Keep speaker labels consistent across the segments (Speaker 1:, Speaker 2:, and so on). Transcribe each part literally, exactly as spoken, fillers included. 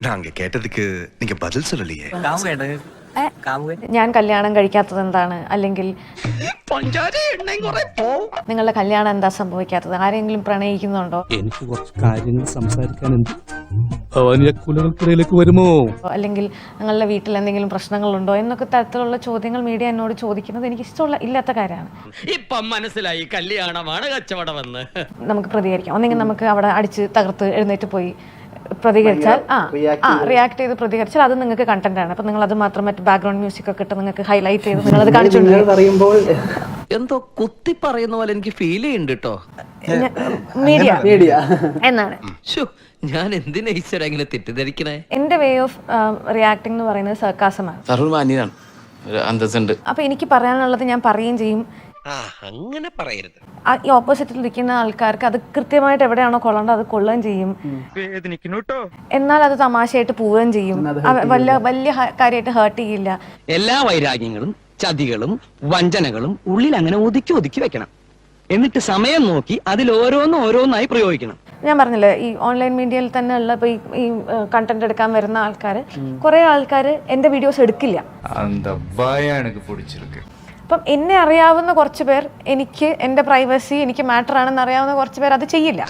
Speaker 1: நாங்க கேட்டதுக்கு நீங்க பதில் சொல்லலையே.
Speaker 2: ഞാൻ കല്യാണം കഴിക്കാത്തത് എന്താണ്, അല്ലെങ്കിൽ നിങ്ങളുടെ കല്യാണം എന്താ സംഭവിക്കാത്തത്, ആരെങ്കിലും പ്രണയിക്കുന്നുണ്ടോ,
Speaker 3: എനിക്ക് കുറച്ച് കാര്യങ്ങൾ സംസാരിക്കാനുണ്ട്. ഭവാനിയക്കുലകൾക്കിടയിലേക്ക് വരുമോ,
Speaker 2: അല്ലെങ്കിൽ നിങ്ങളുടെ വീട്ടിൽ എന്തെങ്കിലും പ്രശ്നങ്ങളുണ്ടോ എന്നൊക്കെ തരത്തിലുള്ള ചോദ്യങ്ങൾ മീഡിയ എന്നോട് ചോദിക്കുന്നത് എനിക്ക് ഇഷ്ടമുള്ള ഇല്ലാത്ത കാര്യമാണ്.
Speaker 4: ഇപ്പം മനസ്സിലായി കല്യാണമാണ് കച്ചവടമെന്ന്. നമുക്ക്
Speaker 2: പ്രതികരിക്കാം, ഒന്നെങ്കിൽ നമുക്ക് അവിടെ അടിച്ച് തകർത്ത് എഴുന്നേറ്റ് പോയി പ്രതികരിച്ചാൽ ആ ആ റിയാക്ട് ചെയ്ത് പ്രതികരിച്ചാൽ അത് നിങ്ങൾക്ക് കണ്ടന്റ് ആണ്. അപ്പൊ നിങ്ങൾ അത് മാത്രം മറ്റു ബാക്ക്ഗ്രൗണ്ട് മ്യൂസിക് ഒക്കെ ഇട്ട് നിങ്ങൾക്ക് ഹൈലൈറ്റ് ചെയ്ത് നിങ്ങൾ അത് കാണിച്ചുകൊണ്ട്
Speaker 4: എന്തോ കുത്തി പറയുന്ന പോലെ എനിക്ക് ഫീൽ ചെയ്യുന്നുണ്ട് കേട്ടോ.
Speaker 2: മീഡിയ മീഡിയ എന്നാണ്.
Speaker 4: ഞാൻ എന്തിനാ ഈശ്വര ഇങ്ങനെ തെറ്റിദ്ധരിക്കണേ?
Speaker 2: എന്റെ വേ ഓഫ് റിയാക്ടിംഗ് എന്ന് പറയുന്നത് സർക്കാസമാണ്. അപ്പൊ എനിക്ക് പറയാനുള്ളത് ഞാൻ പറയുകയും ചെയ്യും.
Speaker 4: അങ്ങനെ പറയരുത്.
Speaker 2: ഈ ഓപ്പോസിറ്റിൽ ഇരിക്കുന്ന ആൾക്കാർക്ക് അത് കൃത്യമായിട്ട് എവിടെയാണോ കൊള്ളേണ്ടത് അത് കൊള്ളുകയും ചെയ്യും. എന്നാൽ അത് തമാശയായിട്ട് പോവുകയും ചെയ്യും. വലിയ വലിയ കാര്യമായിട്ട് ഹേർട്ട് ചെയ്യില്ല.
Speaker 4: എല്ലാ വൈരാഗ്യങ്ങളും ചതികളും വഞ്ചനകളും ഉള്ളിൽ അങ്ങനെ ഒതുക്കി ഒതുക്കി വെക്കണം. എന്നിട്ട് സമയം നോക്കി അതിൽ ഓരോന്നും ഓരോന്നായി പ്രയോഗിക്കണം.
Speaker 2: ഞാൻ പറഞ്ഞില്ലേ, ഈ ഓൺലൈൻ മീഡിയയിൽ തന്നെ ഉള്ള ഇപ്പൊ ഈ കണ്ടന്റ് എടുക്കാൻ വരുന്ന ആൾക്കാർ, കുറെ ആൾക്കാർ എന്റെ വീഡിയോസ് എടുക്കില്ല. അപ്പം എന്നെ അറിയാവുന്ന കുറച്ച് പേർ, എനിക്ക് എന്റെ പ്രൈവസി എനിക്ക് മാറ്റർ ആണെന്ന് അറിയാവുന്ന കുറച്ച് പേർ അത് ചെയ്യില്ല.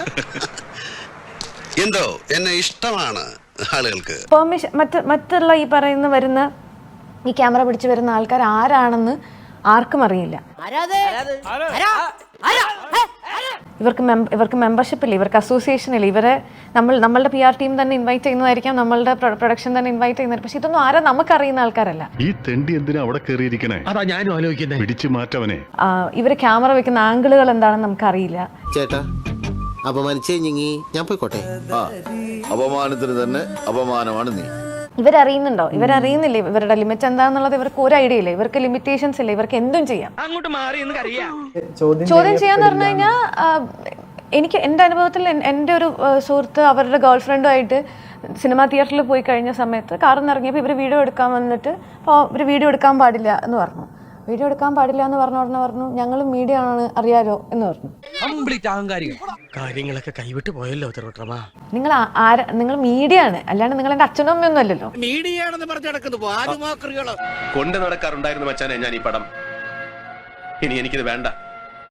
Speaker 5: എന്തോ എന്നെ ഇഷ്ടമാണ് ആളുകൾക്ക്.
Speaker 2: പെർമിഷൻ മറ്റ് മറ്റുള്ള ഈ പറയുന്ന വരുന്ന ഈ ക്യാമറ പിടിച്ച് വരുന്ന ആൾക്കാർ ആരാണെന്ന് ആർക്കും അറിയില്ല. ഇവർക്ക് ഇവർക്ക് മെമ്പർഷിപ്പ് ഇല്ല, ഇവർക്ക് അസോസിയേഷൻ ഇല്ല. ഇവരെ നമ്മൾ നമ്മളുടെ പി ആർ ടീം തന്നെ ഇൻവൈറ്റ് ചെയ്യുന്നതായിരിക്കാം, നമ്മളുടെ പ്രൊഡക്ഷൻ തന്നെ ഇൻവൈറ്റ് ചെയ്യുന്നത്. പക്ഷെ ഇതൊന്നും ആരാ നമുക്കറിയുന്ന ആൾക്കാരല്ല.
Speaker 6: ഈ തെണ്ടി എന്തിനാ അവിടെ കേറിയിരിക്കണേ?
Speaker 4: അതാ ഞാനും ആലോചിക്കുന്നത്.
Speaker 6: പിടിച്ചു മാറ്റവനെ.
Speaker 2: ഇവര് ക്യാമറ വെക്കുന്ന ആംഗിളുകൾ എന്താണെന്ന് നമുക്കറിയില്ല.
Speaker 7: ചേട്ടാ അപമാനിച്ചേ ഞാൻ പോയിക്കോട്ടെ.
Speaker 8: അപമാനത്തിന് തന്നെ അപമാനമാണ് നീ.
Speaker 2: ഇവരറിയുന്നുണ്ടോ? ഇവരറിയുന്നില്ല ഇവരുടെ ലിമിറ്റ് എന്താണെന്നുള്ളത്. ഇവർക്ക് ഒരു ഐഡിയ ഇല്ല, ഇവർക്ക് ലിമിറ്റേഷൻസ് ഇല്ല, ഇവർക്ക് എന്തും ചെയ്യാം.
Speaker 4: അങ്ങോട്ട് മാറി എന്ന് അറിയാം.
Speaker 2: ചോദ്യം ചെയ്യാന്ന് പറഞ്ഞു കഴിഞ്ഞാൽ എനിക്ക് എൻ്റെ അനുഭവത്തിൽ എൻ്റെ ഒരു സുഹൃത്ത് അവരുടെ ഗേൾ ഫ്രണ്ടുമായിട്ട് സിനിമാ തിയേറ്ററിൽ പോയി കഴിഞ്ഞ സമയത്ത് കാറിൽ നിന്ന് ഇറങ്ങിയപ്പോൾ ഇവർ വീഡിയോ എടുക്കാൻ വന്നിട്ട് അപ്പോൾ ഇവർ വീഡിയോ എടുക്കാൻ പാടില്ല എന്ന് പറഞ്ഞു. വീഡിയോ എടുക്കാൻ പാടില്ല എന്ന് പറഞ്ഞ ഉടനെ പറഞ്ഞു ഞങ്ങൾ മീഡിയ ആണ് അറിയാലോ എന്ന് പറഞ്ഞു.
Speaker 4: കാര്യങ്ങളൊക്കെ കൈവിട്ട് പോയല്ലോ തിരുവട്ടമാ.
Speaker 2: നിങ്ങൾ ആരാ? നിങ്ങൾ മീഡിയ ആണ്, അല്ലാണ്ട് നിങ്ങൾ എന്റെ അച്ഛനും അമ്മയൊന്നും അല്ലല്ലോ.
Speaker 4: മീഡിയയാണെന്ന് പറഞ്ഞു നടക്കുന്നു
Speaker 1: കൊണ്ട് നടക്കാറുണ്ടായിരുന്നു മച്ചാനെ ഞാൻ ഈ പടം. ഇനി എനിക്കിത് വേണ്ട.